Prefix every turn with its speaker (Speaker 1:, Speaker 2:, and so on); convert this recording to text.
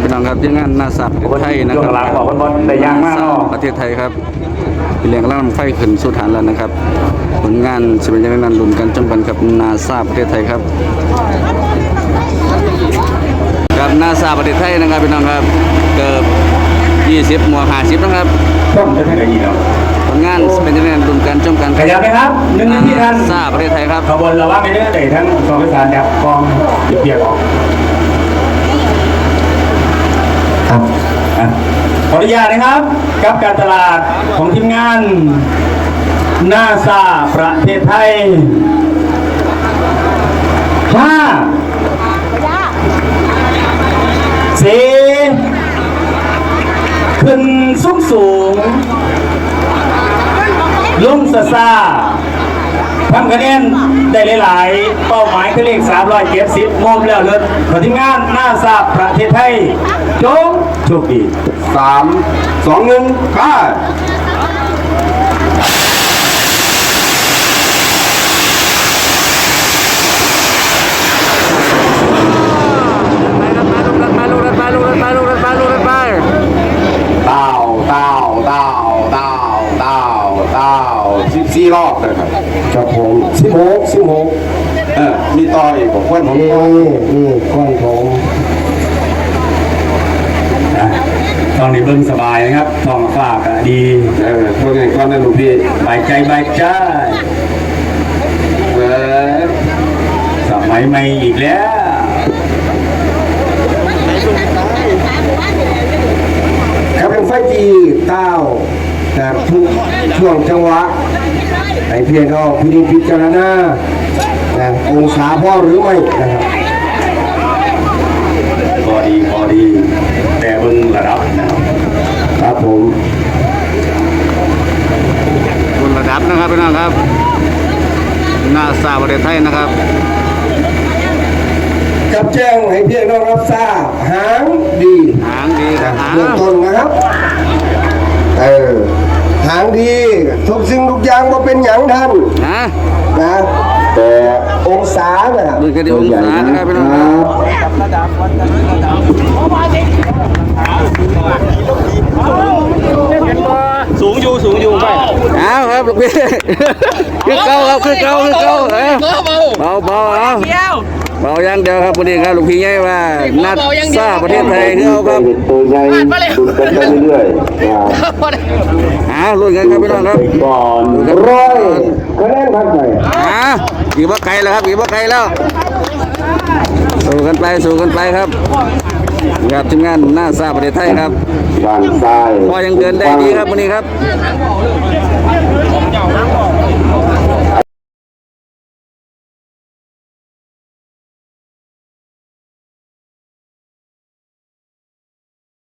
Speaker 1: พี่น้องครับที่งานนาซาประเทศไทยนะครับนาซาประเทศไทยครับเป็นเรื่องล่ำไฟขึ้นสู่ฐานแล้วนะครับผลงานจะเป็นยังไงนั้นลุ้นกันจนกันกับนาซาประเทศไทยครับกับนาซาประเทศไทยนะครับพี่น้องครับเกือบ20 หมวก 50นะครับผลงานเป็นยังไงลุ้นกันจนกัน
Speaker 2: ขยับไหมครับ1 นาทีท่าน
Speaker 1: นาซาประเทศไทยครับ
Speaker 2: ขบวนเราว่าไม่ได้เลยทั้งกองประสานยับกองเบียร์ออกขออนุญาตนะครับกับการตลาดของทีมงานนาซาประเทศไทยขึ้นสูงลงซาทำคะแนนได้หลายๆเป้าหมายคือเลข370มอมแล้วเลยขอทีมงานนาซาประเทศไทยจงโชคดี
Speaker 3: 3 2 1ไป14 รอบเลยครับ
Speaker 2: ครับผม
Speaker 3: 16มีต่ออีกผมควนผม
Speaker 2: นี่ก้อนผมตอนนี้เบิ่งสบายนะครับท้องฟ้าก็ดี
Speaker 3: พวกนี้ก้อนนั่นลูกพี่
Speaker 2: ใบใจสมัยใหม่อีกแล้ว
Speaker 3: ครับเป็นไฟจีเต้าแต่ทุกช่วงจังหวะไอเพียงก็พิจารณาองศาพอหรือไม่นะครับ
Speaker 2: พอดีแต่เบิ่งระดับ
Speaker 3: ครับผม
Speaker 1: บนระดับนะครับพี่น้องครับนาซาประเทศไทยนะครับ
Speaker 3: กับแจ้งให้เพียงน้องรับทราบหางดี
Speaker 1: ครับ
Speaker 3: เริ่มต้นนะครับหางดีทุกสิ่งทุกอย่างว่าเป็นอย่างท่านนะแต่องศานะครับ
Speaker 1: ดูกันที่องศานะครับพี่น้องครับ
Speaker 2: สูงอยู่ไป
Speaker 1: เอาครับลูกพี่ขึ้นเก้าครับขึ้นเก้าเบาอย่างเดียวครับวันนี้ครับลูกพี่ใหญ่ว่านัดซาประเทศไทยเขาครับ
Speaker 3: ตัวใหญ่ดุกันไปเรื่อยๆ
Speaker 1: ลุ้นกันครับพี่น้องครับ
Speaker 3: ก่อนร้อยคะแนนผ่านไป
Speaker 1: อีกว่าไกลแล้วครับอีกว่าไกลแล้วสู้กันไปครับกับทีมงานนาซาประเทศไทยครับ
Speaker 3: ด้านซ้าย
Speaker 1: พอยังเดินได้ดีครับวันนี้ครับ